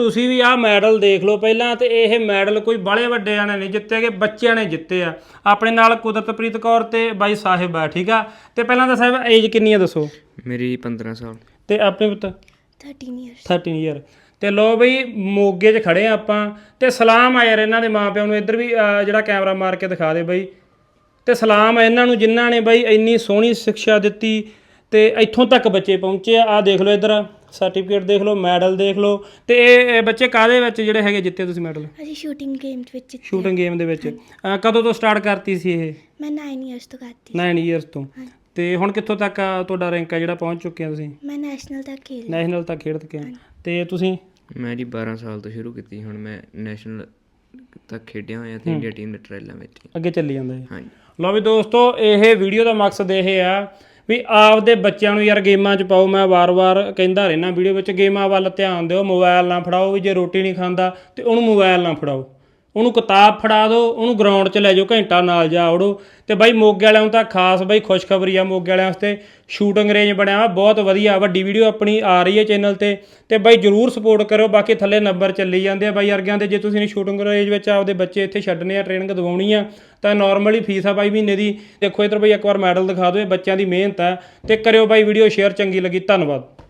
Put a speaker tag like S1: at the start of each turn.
S1: ਤੁਸੀਂ ਵੀ ਆਹ ਮੈਡਲ ਦੇਖ ਲਓ ਪਹਿਲਾਂ, ਤੇ ਇਹ ਮੈਡਲ ਕੋਈ ਬਾਹਲੇ ਵੱਡੇ ਜਾਣੇ ਨਹੀਂ ਜਿੱਤੇ ਗਏ, ਬੱਚਿਆਂ ਨੇ ਜਿੱਤੇ ਆ। ਆਪਣੇ ਨਾਲ ਕੁਦਰਤਪ੍ਰੀਤ ਕੌਰ ਤੇ ਬਾਈ ਸਾਹਿਬ ਆ, ਠੀਕ ਆ। ਤੇ ਪਹਿਲਾਂ ਤਾਂ ਸਾਹਿਬ ਏਜ ਕਿੰਨੀ ਆ ਦੱਸੋ?
S2: ਮੇਰੀ 15 ਸਾਲ।
S1: ਤੇ ਆਪਣੇ ਪੁੱਤ?
S3: 13
S1: ਈਅਰ। ਤੇ ਲੋ ਬਈ ਮੋਗੇ 'ਚ ਖੜੇ ਆ ਆਪਾਂ, ਤੇ ਸਲਾਮ ਆ ਯਾਰ ਇਹਨਾਂ ਦੇ ਮਾਂ ਪਿਓ ਨੂੰ। ਇੱਧਰ ਵੀ ਜਿਹੜਾ ਕੈਮਰਾ ਮਾਰ ਕੇ ਦਿਖਾ ਦੇ ਬਈ। ਤੇ ਸਲਾਮ ਆ ਇਹਨਾਂ ਨੂੰ ਜਿਨ੍ਹਾਂ ਨੇ ਬਈ ਇੰਨੀ ਸੋਹਣੀ ਸਿੱਖਿਆ ਦਿੱਤੀ ਤੇ ਇੱਥੋਂ ਤੱਕ ਬੱਚੇ ਪਹੁੰਚੇ ਆ। ਆਹ ਦੇਖ ਲਓ ਇੱਧਰ ਸਰਟੀਫਿਕੇਟ ਦੇਖ ਲਓ, ਮੈਡਲ ਦੇਖ ਲਓ। ਤੇ ਇਹ ਬੱਚੇ ਕਾਹਦੇ ਵਿੱਚ ਜਿਹੜੇ ਹੈਗੇ ਜਿੱਤੇ ਤੁਸੀਂ ਮੈਡਲ?
S3: ਅਸੀਂ ਸ਼ੂਟਿੰਗ ਗੇਮ ਵਿੱਚ।
S1: ਸ਼ੂਟਿੰਗ ਗੇਮ ਦੇ ਵਿੱਚ। ਕਦੋਂ ਤੋਂ ਸਟਾਰਟ ਕਰਤੀ ਸੀ ਇਹ?
S3: ਮੈਂ 9 ਇਅਰਸ ਤੋਂ ਕਰਤੀ।
S1: 9 ਇਅਰਸ ਤੋਂ। ਤੇ ਹੁਣ ਕਿੱਥੋਂ ਤੱਕ ਤੁਹਾਡਾ ਰੈਂਕ ਆ ਜਿਹੜਾ ਪਹੁੰਚ ਚੁੱਕੇ ਆ ਤੁਸੀਂ?
S3: ਮੈਂ ਨੈਸ਼ਨਲ ਤੱਕ ਖੇਡ
S1: ਕੇ ਆ। ਤੇ ਤੁਸੀਂ?
S2: ਮੈਂ ਜੀ 12 ਸਾਲ ਤੋਂ ਸ਼ੁਰੂ ਕੀਤੀ, ਹੁਣ ਮੈਂ ਨੈਸ਼ਨਲ ਤੱਕ ਖੇਡਿਆ ਹੋਇਆ ਤੇ ਇੰਡੀਆ ਟੀਮ ਦੇ ਟਰਾਇਲਾਂ ਵਿੱਚ
S1: ਅੱਗੇ ਚੱਲੀ ਜਾਂਦਾ ਹੈ।
S2: ਹਾਂਜੀ।
S1: ਲਓ ਵੀ ਦੋਸਤੋ, ਇਹ ਵੀਡੀਓ ਦਾ ਮਕਸਦ ਇਹ ਆ ਵੀ ਆਪਦੇ ਬੱਚਿਆਂ ਨੂੰ ਯਾਰ ਗੇਮਾਂ 'ਚ ਪਾਓ। ਮੈਂ ਵਾਰ-ਵਾਰ ਕਹਿੰਦਾ ਰਹਿਣਾ ਵੀਡੀਓ ਵਿੱਚ, ਗੇਮਾਂ ਵੱਲ ਧਿਆਨ ਦਿਓ। ਮੋਬਾਈਲ ਨਾ ਫੜਾਓ, ਵੀ ਜੇ ਰੋਟੀ ਨਹੀਂ ਖਾਂਦਾ ਤੇ ਉਹਨੂੰ ਮੋਬਾਈਲ ਨਾ ਫੜਾਓ, ਉਹਨੂੰ ਕਿਤਾਬ ਫੜਾ ਦਿਓ, ਉਹਨੂੰ ਗਰਾਊਂਡ 'ਚ ਲੈ ਜਾਓ, ਘੰਟਾ ਨਾਲ ਜਾ ਵੜੋ। ਤੇ ਬਾਈ ਮੋਗੇ ਵਾਲਿਆਂ ਨੂੰ ਤਾਂ ਖਾਸ ਬਾਈ ਖੁਸ਼ਖਬਰੀ ਆ, ਮੋਗੇ ਵਾਲਿਆਂ ਵਾਸਤੇ ਸ਼ੂਟਿੰਗ ਰੇਂਜ ਬਣਿਆ ਵਾ ਬਹੁਤ ਵਧੀਆ। ਵੱਡੀ ਵੀਡੀਓ ਆਪਣੀ ਆ ਰਹੀ ਹੈ ਚੈਨਲ ਤੇ ਬਾਈ ਜਰੂਰ ਸਪੋਰਟ ਕਰਿਓ। ਬਾਕੀ ਥੱਲੇ ਨੰਬਰ ਚੱਲੀ ਜਾਂਦੇ ਆ ਬਾਈ ਵਰਗਿਆਂ ਦੇ। ਜੇ ਤੁਸੀਂ ਸ਼ੂਟਿੰਗ ਰੇਂਜ ਵਿੱਚ ਆਪਦੇ ਬੱਚੇ ਇੱਥੇ ਛੱਡਣੇ ਆ, ਟ੍ਰੇਨਿੰਗ ਦਿਵਾਉਣੀ ਆ, ਤਾਂ ਨਾਰਮਲੀ ਫੀਸ ਆ ਬਾਈ ਮਹੀਨੇ ਦੀ। ਦੇਖੋ ਇੱਧਰ ਬਾਈ ਇੱਕ ਵਾਰ ਮੈਡਲ ਦਿਖਾ ਦਿਓ, ਇਹ ਬੱਚਿਆਂ ਦੀ ਮਿਹਨਤ ਆ। ਤੇ ਕਰਿਓ ਬਾਈ ਵੀਡੀਓ ਸ਼ੇਅਰ, ਚੰਗੀ ਲੱਗੀ। ਧੰਨਵਾਦ।